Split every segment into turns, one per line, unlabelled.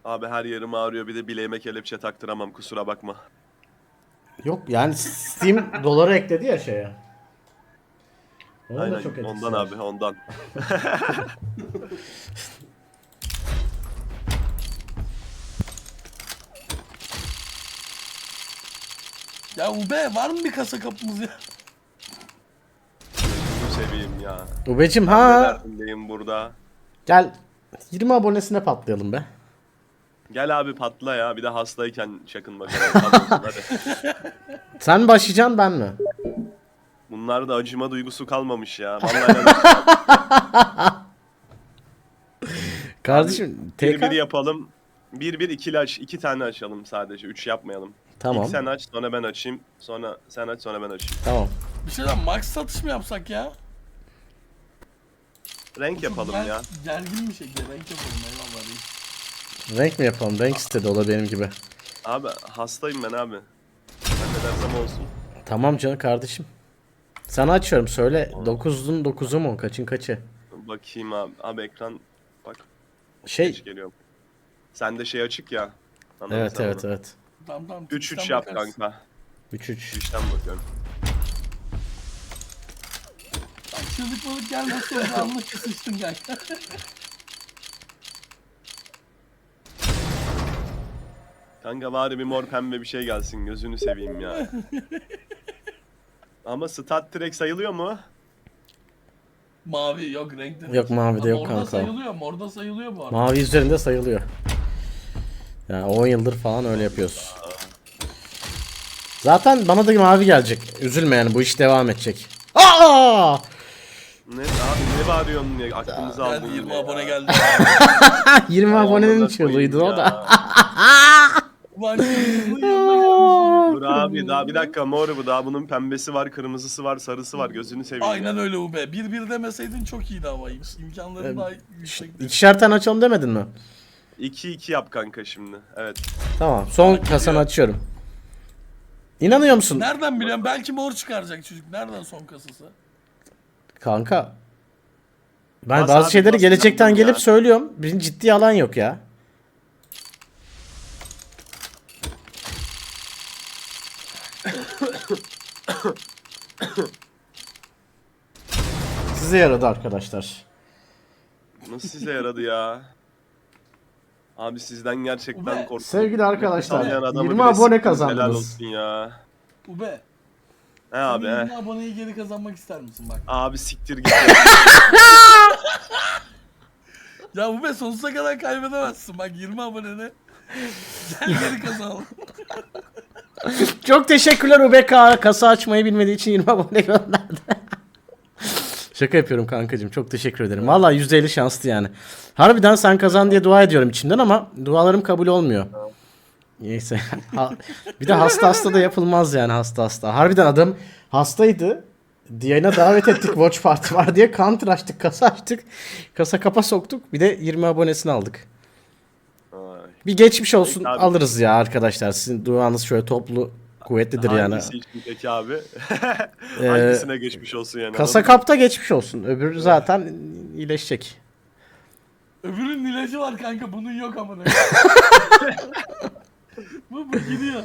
Abi her yerim ağrıyor, bir de bileğime kelepçe taktıramam, kusura bakma.
Yok yani Steam doları ekledi ya şeye. Onun da
Aynen
çok
ondan
etkisi var.
abi, ondan.
Ya Ube var mı bir kasa kapımız ya?
Gözünü seveyim ya.
Ubecim
Ben de
ha
derdindeyim burada.
gel 20 abonesine patlayalım be.
Gel abi patla ya, bir de hastayken çakın bakalım. Tamam, hadi.
Sen mi başlayacaksın ben mi?
Bunlar da acıma duygusu kalmamış ya. Vallahi yanlış.
Kardeşim
Bir bir
TK.
yapalım. Bir bir ikili aç. İki tane açalım sadece. Üç yapmayalım.
Tamam.
İlk sen aç, sonra ben açayım. Sonra sen aç, sonra ben açayım.
Tamam.
Bir şeyden max satış mı yapsak ya?
Renk yapalım
Çok
ya.
Gergin bir şekilde renk yapalım eyvallah reis.
Renk mi yapalım? Renk istedi o da benim gibi.
Abi hastayım ben abi. Ben ne dersem olsun.
Tamam canım kardeşim. Sana açıyorum söyle. 9'un 9'u mu? Kaçın kaçı?
Bakayım abi. Abi ekran bak
Şey.
geç geliyor. Sende şey açık ya. Anladın
Evet
sen
evet
onu.
evet.
Tamam.
3-3
Twitch'ten
yap
bakarız.
kanka.
3-3.
3'ten bakıyorum.
Bak çığlık balık gelmezse orada anlık sıçtın kanka.
Kanka bari bir mor pembe bir şey gelsin, gözünü seveyim ya. Ama Stat Trek sayılıyor mu?
Mavi yok renk demek.
Yok, mavi de yok
Morda
kanka.
sayılıyor, morda sayılıyor bu arada.
Mavi üzerinde sayılıyor. Yani 10 yıldır falan öyle yapıyoruz. Zaten bana da mavi gelecek. Üzülme yani bu iş devam edecek. Aa!
Ne abi, ne bağırıyorsun ya, aklımızı aldın
Geldi 20
yine
abone
ya.
geldi.
20
Ay,
abonenin
amına
çığlığıydı
koyayım
o da.
ya.
Ulan kırmızının yanına gelmiş.
Dur abi, daha bir dakika, mor bu, daha bunun pembesi var, kırmızısı var, sarısı var, gözünü seveyim
Aynen
ya.
öyle Ube. 1-1 demeseydin çok iyiydi ama imkanların daha yüksekti.
İkişer tane açalım demedin mi?
2-2 yap kanka şimdi, evet.
Tamam son
Bak,
kasanı
geliyor.
açıyorum. İnanıyor musun?
Nereden biliyorum? Belki mor çıkaracak çocuk. Nereden son kasası?
Kanka. Ben
Bas
bazı
abi,
şeyleri
bas,
gelecekten
inandım
gelip
ya.
söylüyorum. Bizim ciddi alan yok ya. Size yaradı arkadaşlar.
Nasıl size yaradı ya? Abi sizden gerçekten
Ube,
korktum.
Sevgili arkadaşlar,
Nefes almayan adamı
20
bile
abone
siktiniz,
kazandınız.
helal olsun ya.
Ube.
He abi
Senin
he.
20 aboneyi geri kazanmak ister misin bak?
Abi siktir git.
Ya Ube sonsuza kadar kaybedemezsin. Bak 20 abonene. Gel geri kazanalım.
Çok teşekkürler UBK. Kasa açmayı bilmediği için 20 abone gönderdi. Şaka yapıyorum kankacığım. Çok teşekkür ederim. Vallahi %50 şanslı yani. Harbiden sen kazan diye dua ediyorum içimden ama dualarım kabul olmuyor. Neyse. Bir de hasta da yapılmaz yani hasta. Harbiden adam hastaydı. Yayına davet ettik, watch party var diye counter açtık, kasa açtık. Kasa kapa soktuk. Bir de 20 abonesini aldık.
Ay.
Bir geçmiş olsun
Peki abi.
alırız ya arkadaşlar. Sizin duanız şöyle toplu kuvvetlidir yani.
Hangisi için peki abi? Hangisine geçmiş olsun yani?
Kasa
anladın mı?
kapta geçmiş olsun. Öbürü zaten iyileşecek.
Öbürünün ilacı var kanka. Bunun yok amına. Bu gidiyor.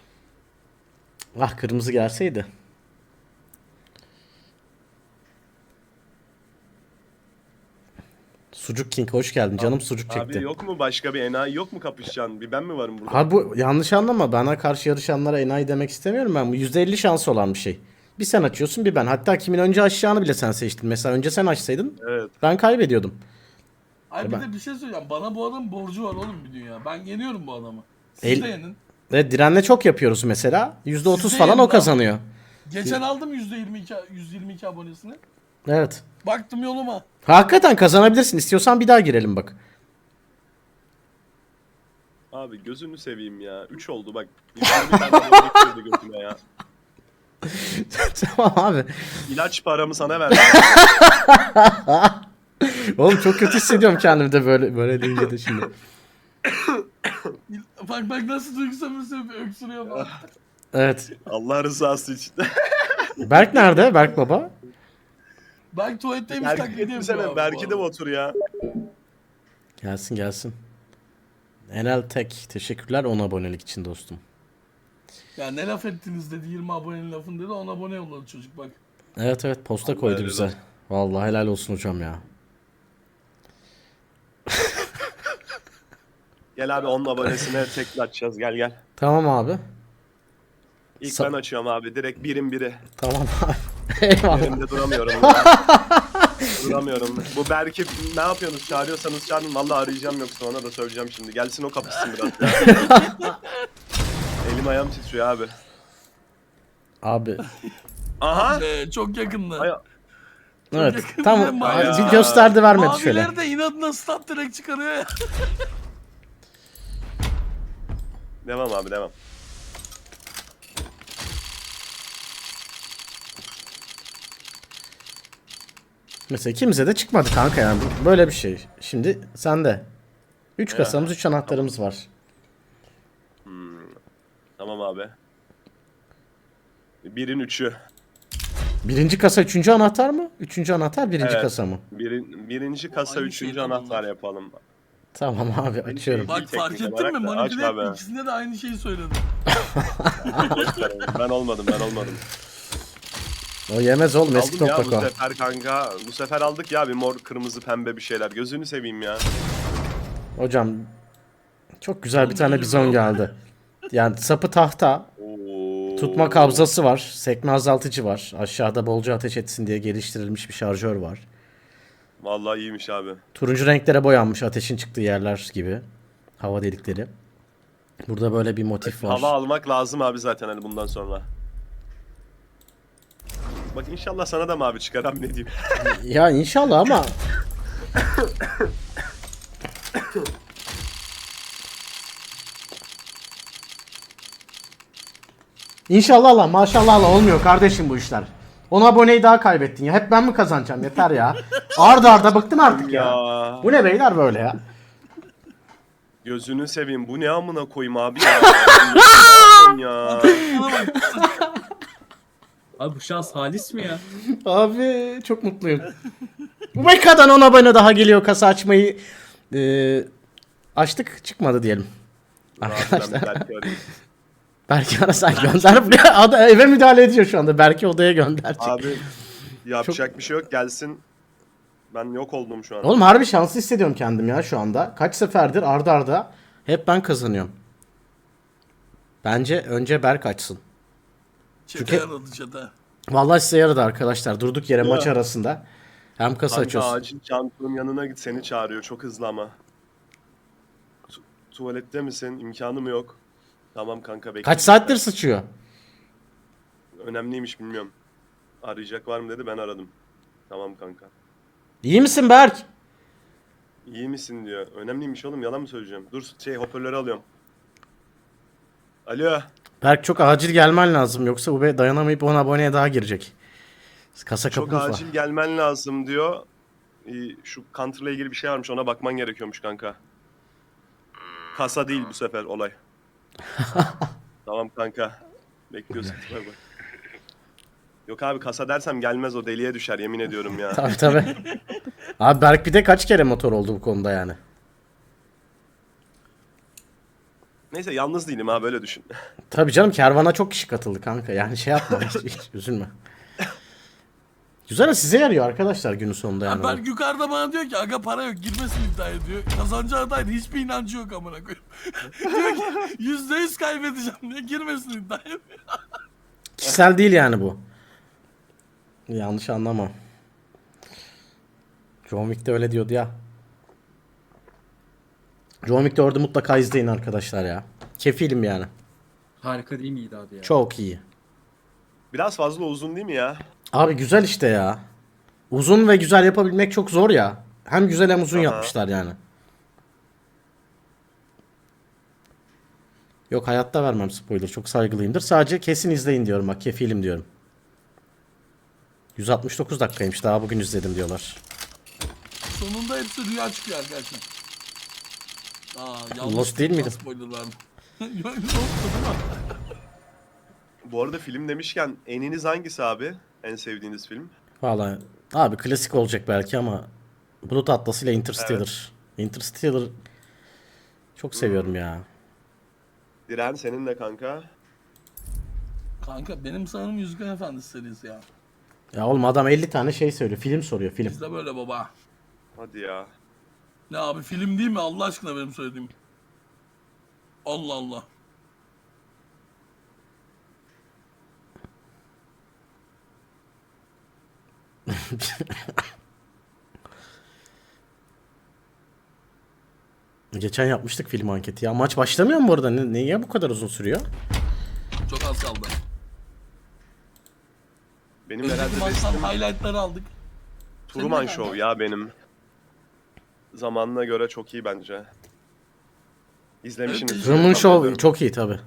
Ah kırmızı gelseydi. Sucuk King hoş geldin. Canım sucuk çekti.
Abi yok mu başka bir enayi, yok mu kapışacaksın? Bir ben mi varım burada?
Abi bu yanlış anlama. Bana karşı yarışanlara enayi demek istemiyorum ben. Bu %50 şansı olan bir şey. Bir sen açıyorsun bir ben. Hatta kimin önce açacağını bile sen seçtin. Mesela önce sen açsaydın
Evet.
ben kaybediyordum.
Ay bir
Ben-
de bir şey söyleyeceğim. Bana bu adamın borcu var oğlum bir dünya. Ben yeniyorum bu adamı. Siz
El-
de yenin.
Ve direnle çok yapıyoruz mesela. %30
Siz de
falan
yenin
o
abi.
kazanıyor.
Geçen aldım %22 abonesini.
Evet.
Baktım yoluma.
Hakikaten kazanabilirsin. İstiyorsan bir daha girelim bak.
Abi gözünü seveyim ya. 3 oldu bak. Bir tane adam geçiyordu gözüme ya.
Tamam abi.
İlaç paramı sana verdim.
Oğlum çok kötü hissediyorum kendimi de böyle deyince de şimdi.
Bak nasıl duygusal öksürüyor falan.
Evet.
Allah rızası için.
Berk nerede? Berk baba.
Belki tuvaletteymiş
Berk'i
taklidi yapıyor
getirsene.
abi bu
Berk'i de
arada.
otur ya.
Gelsin gelsin. Enel Tek teşekkürler 10 abonelik için dostum.
Ya ne laf ettiniz dedi 20 abonenin lafını dedi 10 abone yolladı çocuk bak.
Evet evet posta
Allah
koydu
helal
bize.
olsun.
Vallahi helal olsun hocam ya.
Gel abi 10 abonesine tekrar açacağız gel gel.
Tamam abi.
İlk
Sa-
ben açıyorum abi direkt birim biri.
Tamam abi. Eyvallah.
Yerimde duramıyorum ya. Duramıyorum. Bu Berk'i ne yapıyorsunuz? Çağırıyorsanız çağırın. Vallahi arayacağım yoksa ona da söyleyeceğim şimdi. Gelsin o kapışsın biraz. Elim ayağım titriyor abi.
Abi.
Aha!
Çok yakında.
Ay,
Evet.
yakın
Tam
bir mavi-
bir gösterdi vermedi şöyle.
Maviler de inadına stat direkt çıkarıyor ya.
devam abi devam.
Mesela kimse de çıkmadı kanka yani. Böyle bir şey. Şimdi sende. 3 kasamız 3 anahtarımız var.
Tamam abi. Birin üçü.
Birinci kasa 3. anahtar mı? 3. anahtar birinci
Evet.
kasa mı?
Birinci kasa
Aynı
üçüncü
şeyden
anahtar
bunlar.
yapalım.
Tamam abi açıyorum.
şey.
Bak fark
teknik
ettin mi?
olarak da
Manipüle
aç abi.
etti. İkisinde de aynı şeyi söyledi.
Ben olmadım.
O yemez oğlum eski
Aldım ya bu
toprak o.
sefer kanka. Bu sefer aldık ya bir mor kırmızı pembe bir şeyler. Gözünü seveyim ya.
Hocam çok güzel bir tane bizon geldi. Yani sapı tahta.
Oo.
Tutma kabzası var. Sekme azaltıcı var. Aşağıda bolca ateş etsin diye geliştirilmiş bir şarjör var.
Vallahi iyiymiş abi.
Turuncu renklere boyanmış ateşin çıktığı yerler gibi. Hava delikleri. Burada böyle bir motif var.
Hava almak lazım abi zaten hani bundan sonra. Bak inşallah sana da mavi çıkar abi ne diyeyim.
Ya inşallah ama İnşallah Allah maşallah Allah olmuyor kardeşim bu işler. 10 aboneyi daha kaybettin ya. Hep ben mi kazanacağım yeter ya. Arda arda bıktım artık ya. Bu ne beyler böyle ya.
Gözünü seveyim bu ne amına koyayım abi ya. Ne yapıyorsun ya.
Abi bu şans halis mi ya?
Abi çok mutluyum. Bu Meka'dan 10 abone daha geliyor kasa açmayı. Açtık çıkmadı diyelim.
Arkadaşlar. Belki arayayım.
Belki ara sen gönder buraya. Eve müdahale ediyor şu anda. Belki odaya gönderecek.
Abi yapacak bir şey yok gelsin. Ben yok oldum şu an.
Oğlum harbi şanslı hissediyorum kendim ya şu anda. Kaç seferdir arda arda hep ben kazanıyorum. Bence önce Berk açsın.
Çete
Çünkü-
yaradı çete.
Vallahi size yaradı arkadaşlar. Durduk yere
Ya.
maç arasında. Hem kasa
Kanka
açıyorsun.
acil Cantu'nun yanına git seni çağırıyor çok hızlı ama. Tuvalette misin? İmkanı mı yok? Tamam kanka bekle.
Kaç saattir sıçıyor?
Önemliymiş bilmiyorum. Arayacak var mı dedi ben aradım. Tamam kanka.
İyi misin Berk?
İyi misin diyor. Önemliymiş oğlum yalan mı söyleyeceğim? Dur hoparlörü alıyorum. Alo.
Berk çok acil gelmen lazım. Yoksa Ube dayanamayıp 10 aboneye daha girecek. Kasa
Çok
kapımız var.
acil gelmen lazım diyor. Şu Counter'la ilgili bir şey varmış ona bakman gerekiyormuş kanka. Kasa değil bu sefer olay. Tamam kanka. Bekliyorsun. Bak bak. Yok abi kasa dersem gelmez o deliye düşer yemin ediyorum ya.
Tabii tabii. Abi Berk bir de kaç kere motor oldu bu konuda yani.
Neyse yalnız değilim ha böyle düşün.
Tabii canım kervana çok kişi katıldı kanka. Yani şey yapma hiç üzülme. Güzel size yarıyor arkadaşlar günün sonunda yani.
Berk yukarıda bana diyor ki aga para yok girmesin iddiaya diyor. Kazanacağı dair hiçbir inancı yok amına koyayım. diyor ki %100 kaybedeceğim diyor girmesin iddiaya.
Kişisel değil yani bu. Yanlış anlama. John Wick de öyle diyordu ya. John Wick 4'ü mutlaka izleyin arkadaşlar ya. Kefilim yani.
Harika değil miydi abi ya?
Çok iyi.
Biraz fazla uzun değil mi ya?
Abi güzel işte ya. Uzun ve güzel yapabilmek çok zor ya. Hem güzel hem uzun
Aha.
yapmışlar yani. Yok hayatta vermem spoiler. Çok saygılıyımdır. Sadece kesin izleyin diyorum bak. Kefilim diyorum. 169 dakikaymış. Daha bugün izledim diyorlar.
Sonunda hepsi rüya çıkıyor arkadaşlar. Yanlış
Lost değil miydi?
Spoiler verdim. Yok Lost değil mi?
Bu arada film demişken eniniz hangisi abi? En sevdiğiniz film?
Vallahi abi klasik olacak belki ama Bulut Atlas ile Interstellar. Interstellar Çok seviyorum ya.
Diren senin de kanka.
Kanka benim sanırım Yüzüklerin Efendisi serisi ya.
Ya oğlum adam 50 tane şey söylüyor. Film soruyor film.
Bizde böyle baba.
Hadi ya.
Ne abi film değil mi Allah aşkına benim söylediğim? Allah Allah.
Geçen yapmıştık film anketi ya. Maç başlamıyor mu bu arada? Niye bu kadar uzun sürüyor?
Çok az kaldı.
Benim
Önceki
herhalde
maçtan
bestim
highlightları aldık.
Truman
Senin de
Show
kanka.
ya benim. Zamanına göre çok iyi bence. İzlemişsiniz.
Truman Show çok iyi tabi.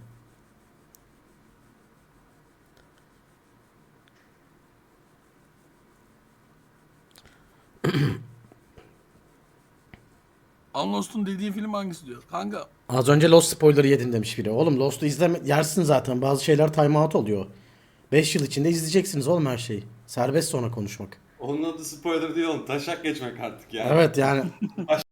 Unlost'un dediği film hangisi diyor? Kanka
Az önce Lost spoiler'ı yedin demiş biri. Oğlum Lost'u yersin zaten. Bazı şeyler time out oluyor. 5 yıl içinde izleyeceksiniz oğlum her şeyi. Serbest sonra konuşmak.
Onun adı spoiler değil oğlum. Taşak geçmek artık ya.
Evet yani